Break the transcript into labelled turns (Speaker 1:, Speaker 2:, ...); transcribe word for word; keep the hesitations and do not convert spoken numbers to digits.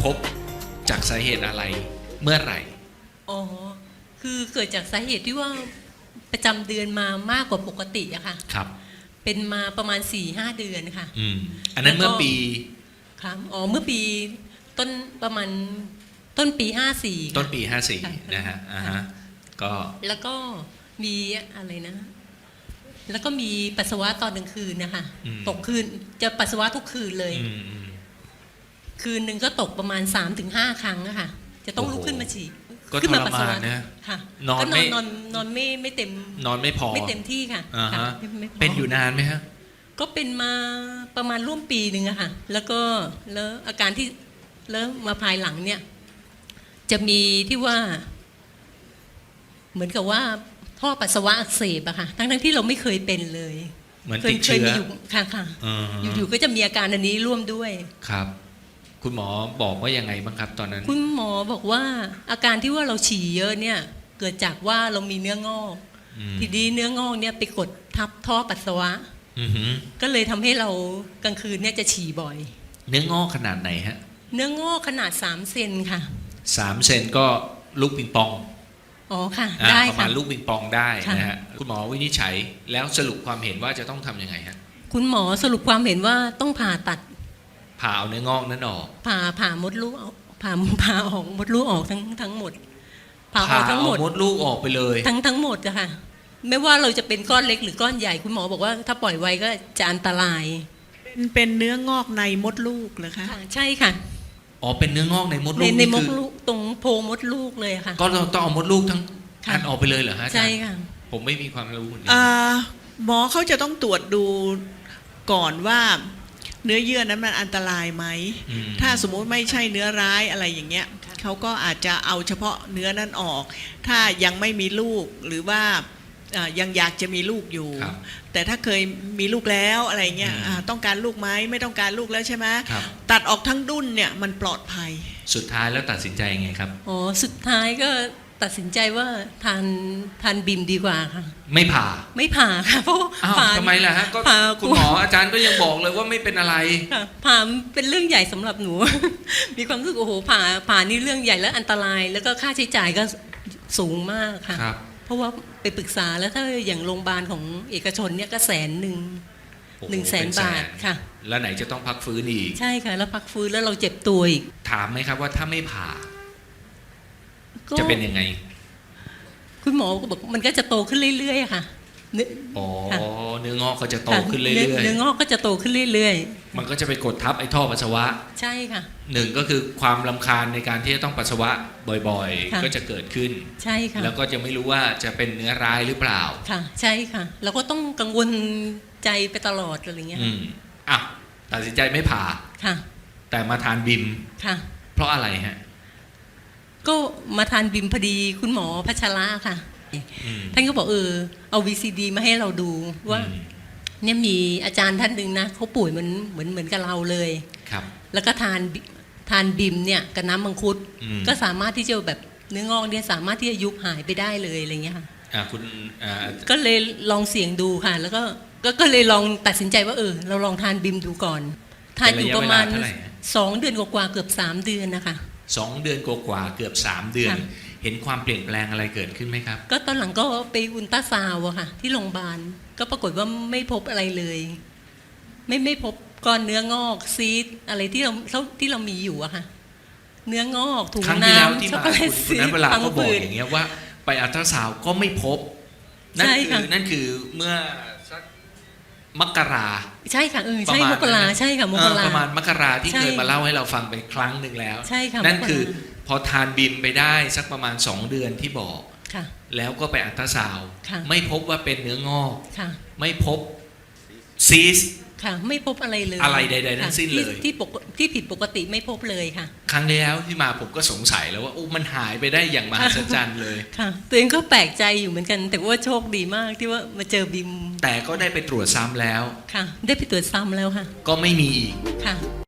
Speaker 1: พบจากสาเหตุอะไรเมื่อไหร่
Speaker 2: อ๋อคือเกิดจากสาเหตุที่ว่าประจำเดือนมามากกว่าปกติอะค่ะ
Speaker 1: ครับ
Speaker 2: เป็นมาประมาณ สี่ห้า เดือนค่ะ
Speaker 1: อืมอันนั้นเมื่อปี
Speaker 2: ครับอ๋อเมื่อปีต้นประมาณต้นปีห้าสี่
Speaker 1: ต้นปีห้าสี่นะฮะอ่าฮะก็
Speaker 2: แล้วก็มีอะไรนะแล้วก็มีปัสสาวะตอนกลางคืนนะคะตกคืนจะปัสสาวะทุกคืนเลยคืนหนึ่งก็ตกประมาณ สามถึงห้า ครั้งอะค่ะจะต้องลุกขึ้นมาฉี่
Speaker 1: ขึ้นมาปัสสาวะนะ
Speaker 2: ค่ะ
Speaker 1: นอนไม่
Speaker 2: นอนนอนไม่ไม่เต็ม
Speaker 1: นอนไม่พอ
Speaker 2: ไม่เต็มที่ค่ะ
Speaker 1: เป็นอยู่นานไหมฮะ
Speaker 2: ก็เป็นมาประมาณร่วมปีหนึ่งอะค่ะแล้วก็แล้วอาการที่แล้วมาภายหลังเนี่ยจะมีที่ว่าเหมือนกับว่าท่อปัสสาวะอักเสบอะค่ะทั้งทั้งที่เราไม่เคยเป็นเลย
Speaker 1: เหมือนติดเชื้อ
Speaker 2: อยู่ค่ะค่ะอยู่ๆก็จะมีอาการอันนี้ร่วมด้วย
Speaker 1: ครับคุณหมอบอกว่ายังไงบ้างครับตอนนั้น
Speaker 2: คุณหมอบอกว่าอาการที่ว่าเราฉี่เยอะเนี่ยเกิดจากว่าเรามีเนื้องอกทีนี้เนื้องอกเนี่ยไปกดทับท่อปัสสาวะก็เลยทำให้เรากลางคืนเนี่ยจะฉี่บ่อย
Speaker 1: เนื้องอกขนาดไหนฮะ
Speaker 2: เนื้องอกขนาดสามเซนค่ะ
Speaker 1: สามเซนก็ลูกปิงปอง
Speaker 2: อ๋อค่ะได้
Speaker 1: ประมาณลูกปิงปองได้นะฮะคุณหมอวินิจฉัยแล้วสรุปความเห็นว่าจะต้องทำยังไงฮะ
Speaker 2: คุณหมอสรุปความเห็นว่าต้องผ่าตัด
Speaker 1: ผ่าเอาเนื้องอกนั้นออก
Speaker 2: ผ่าผ่ามดลูกผ่าผ่าออกมดลูกออกทั้งทั้งหมด
Speaker 1: ผ่าออกทั้งหมดมดลูกออกไปเลย
Speaker 2: ทั้งทั้งหมดอะค่ะไม่ว่าเราจะเป็นก้อนเล็กหรือก้อนใหญ่คุณหมอบอกว่าถ้าปล่อยไว้ก็จะอันตราย
Speaker 3: เป็นเนื้องอกในมดลูกเหรอคะ
Speaker 2: ใช่ค่ะ
Speaker 1: อ๋อเป็นเนื้องอกในมดลูก
Speaker 2: ในมดลูกตรงโพรงมดลูกเลยค่ะ
Speaker 1: ก็เราต้องเอามดลูกทั้งอันออกไปเลยเหรอฮะ
Speaker 2: ใช่ค่ะ
Speaker 1: ผมไม่มีความรู้
Speaker 3: นี้หมอเขาจะต้องตรวจดูก่อนว่าเนื้อเยื่อนั้นมันอันตรายไหมถ้าสมมุติไม่ใช่เนื้อร้ายอะไรอย่างเงี้ยเขาก็อาจจะเอาเฉพาะเนื้อนั้นออกถ้ายังไม่มีลูกหรือว่ายังอยากจะมีลูกอยู่แต่ถ้าเคยมีลูกแล้วอะไรเงี้ยต้องการลูกไหมไม่ต้องการลูกแล้วใช่ไหมตัดออกทั้งดุ้นเนี่ยมันปลอดภัย
Speaker 1: สุดท้ายแล้วตัดสินใจยังไงครับ
Speaker 2: อ๋อสุดท้ายก็ตัดสินใจว่าทานทานบิมดีกว่าค่ะ
Speaker 1: ไม่ผ่า
Speaker 2: ไม่ผ่าค่ะเพราะ
Speaker 1: ผ่าทำไมล่ะฮะก็คุณหมออาจารย์ก็ยังบอกเลยว่าไม่เป็นอะไร
Speaker 2: ผ่าเป็นเรื่องใหญ่สำหรับหนูมีความรู้สึกโอ้โหผ่าผ่านี่เรื่องใหญ่และอันตรายแล้วก็ค่าใช้จ่ายก็สูงมากค่ะเพราะว่าไปปรึกษาแล้วถ้าอย่างโรงพยาบาลของเอกชนเนี่ยก็แสนหนึ่งหนึ่งแสนบาทค่ะ
Speaker 1: แล้วไหนจะต้องพักฟื้นอีก
Speaker 2: ใช่ค่ะแล้วพักฟื้นแล้วเราเจ็บตัวอีก
Speaker 1: ถามไหมครับว่าถ้าไม่ผ่าจะเป็นยังไง
Speaker 2: คุณหมอก็บอกมันก็จะโตขึ้นเรื่อยๆค่ะ
Speaker 1: อ๋อเนื้องอกก็จะโตขึ้นเรื่อยๆ
Speaker 2: เนื้องอกก็จะโตขึ้นเรื่อย
Speaker 1: ๆมันก็จะไปกดทับไอ้ท่อปัสสาวะ
Speaker 2: ใช่ค่ะ
Speaker 1: หนึ่งก็คือความรำคาญในการที่จะต้องปัสสาวะบ่อยๆก็จะเกิดขึ้น
Speaker 2: ใช่ค่ะ
Speaker 1: แล้วก็จะไม่รู้ว่าจะเป็นเนื้อร้ายหรือเปล่า
Speaker 2: ค่ะใช่ค่ะแล้วก็ต้องกังวลใจไปตลอดอะไรเงี้ย
Speaker 1: อืมอ่ะตัดสินใจไม่ผ่า
Speaker 2: ค่ะ
Speaker 1: แต่มาทานบิม
Speaker 2: ค่ะ
Speaker 1: เพราะอะไรฮะ
Speaker 2: ก็มาทานบิมพอดีคุณหมอพัชระค่ะท่านก็บอกเออเอา วี ซี ดี มาให้เราดูว่าเนี่ยมีอาจารย์ท่านหนึ่งนะเขาป่วยเหมือนเหมือนเหมือนกับเราเลย
Speaker 1: ครับ
Speaker 2: แล้วก็ทานทานบิมเนี่ยกับน้ำมังคุดก็สามารถที่จะแบบเนื้องอกเนี่ยสามารถที่จะยุบหายไปได้เลยอะไรเงี้ยค่ะ
Speaker 1: อ่าคุณอ่า
Speaker 2: ก็เลยลองเสี่ยงดูค่ะแล้วก็ก็เลยลองตัดสินใจว่าเออเราลองทานบิมดูก่อนทานอยู่ประมาณสองเดือนกว่าเกือบสามเดือนนะคะ
Speaker 1: สองเดือนกว่าเกือบสามเดือนเห็นความเปลี่ยนแปลงอะไรเกิดขึ้นไหมครับ
Speaker 2: ก็ตอนหลังก็ไปอุลตราซาวด์อะค่ะที่โรงพยาบาลก็ปรากฏว่าไม่พบอะไรเลยไม่ไม่พบก้อนเนื้องอกซีสอะไรที่เราที่เรามีอยู่อะค่ะเนื้องอกถุงน้ำช็อกโกแลตซีส
Speaker 1: เวลาเขาบอกอย่างเงี้ยว่าไปอัลตราซาวด์ก็ไม่พบนั่นคือนั่นคือเมื่อสักมกรา
Speaker 2: ใช่ค่ะเออใช่มกราใช่ค่ะมกรา
Speaker 1: ประมาณมกราที่เคยมาเล่าให้เราฟังไปครั้งหนึ่งแล้ว
Speaker 2: ใช่ค่ะ
Speaker 1: นั่นคือพอทานบิมไปได้สักประมาณสองเดือนที่บอกแล้วก็ไปอัลตราซาวด์ไม่พบว่าเป็นเนื้องอกไม่พบซีส
Speaker 2: ค่ะไม่พบอะไรเลย
Speaker 1: อะไรใดๆทั้งสิ้นเลย
Speaker 2: ที่ปกที่ผิดปกติไม่พบเลยค่ะ
Speaker 1: ครั้งที่แล้วที่มาผมก็สงสัยแล้วว่าโอ้มันหายไปได้อย่างมหัศจรรย์เลย
Speaker 2: ค่ะตัวเองก็แปลกใจอยู่เหมือนกันแต่ว่าโชคดีมากที่ว่ามาเจอบิม
Speaker 1: แต่ก็ได้ไปตรวจซ้ำแล้ว
Speaker 2: ค่ะได้ไปตรวจซ้ำแล้วค่ะ
Speaker 1: ก็ไม่มีอีก
Speaker 2: ค่ะ